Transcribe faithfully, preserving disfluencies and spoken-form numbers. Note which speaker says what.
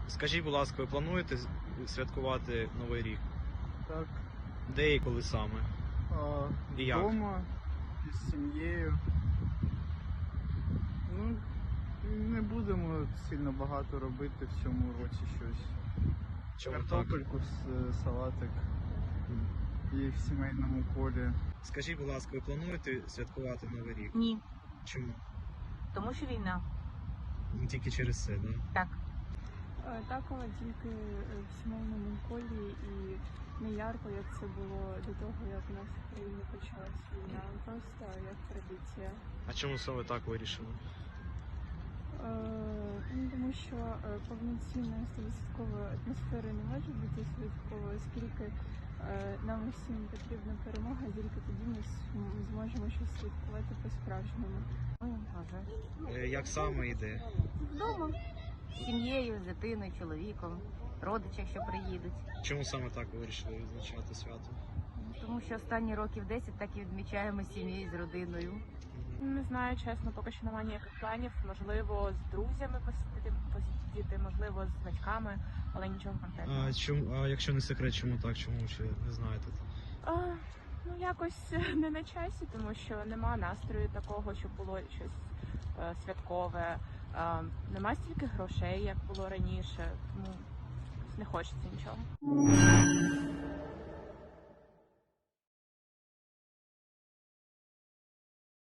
Speaker 1: Скажіть, будь ласка, ви плануєте святкувати Новий рік?
Speaker 2: Так.
Speaker 1: Де і коли саме?
Speaker 2: А,
Speaker 1: І як?
Speaker 2: Вдома, із сім'єю. Ну, не будемо сильно багато робити в цьому році щось.
Speaker 1: Чому так?
Speaker 2: Картопельку, с- салатик і в сімейному колі.
Speaker 1: Скажіть, будь ласка, ви плануєте святкувати Новий рік?
Speaker 3: Ні,
Speaker 1: Чому?
Speaker 3: тому що війна.
Speaker 1: Не тільки через це, да?
Speaker 3: Так.
Speaker 4: Е, Так, але тільки е, в сімейному колі і не ярко, як це було до того, як у нас в країні почалась війна. Просто як традиція.
Speaker 1: А чому саме так вирішили?
Speaker 4: Е, ну, тому що е, повноцінної стовідсоткової атмосфери не може бути святковою, оскільки е, нам усім потрібна перемога, тільки тоді ми с- зможемо щось святкувати по-справжньому.
Speaker 3: Ой, а вже ж.
Speaker 1: Е, Як саме йде?
Speaker 3: Вдома. З сім'єю, з дитиною, чоловіком, родичі, якщо приїдуть.
Speaker 1: Чому саме так ви вирішили відзначати свято?
Speaker 3: Тому що останні років десять так і відмічаємо з сім'єю, з родиною.
Speaker 1: Мгм.
Speaker 5: Не знаю, чесно, поки що немає ніяких планів. Можливо, з друзями посидіти, посидіти, можливо, з батьками, але нічого конкретного.
Speaker 1: А, чому, а якщо не секрет, чому так? Чому ще не знаєте?
Speaker 5: А, ну, якось не на часі, тому що нема настрою такого, щоб було щось е, святкове. А, нема стільки грошей, як було раніше, тому не хочеться нічого.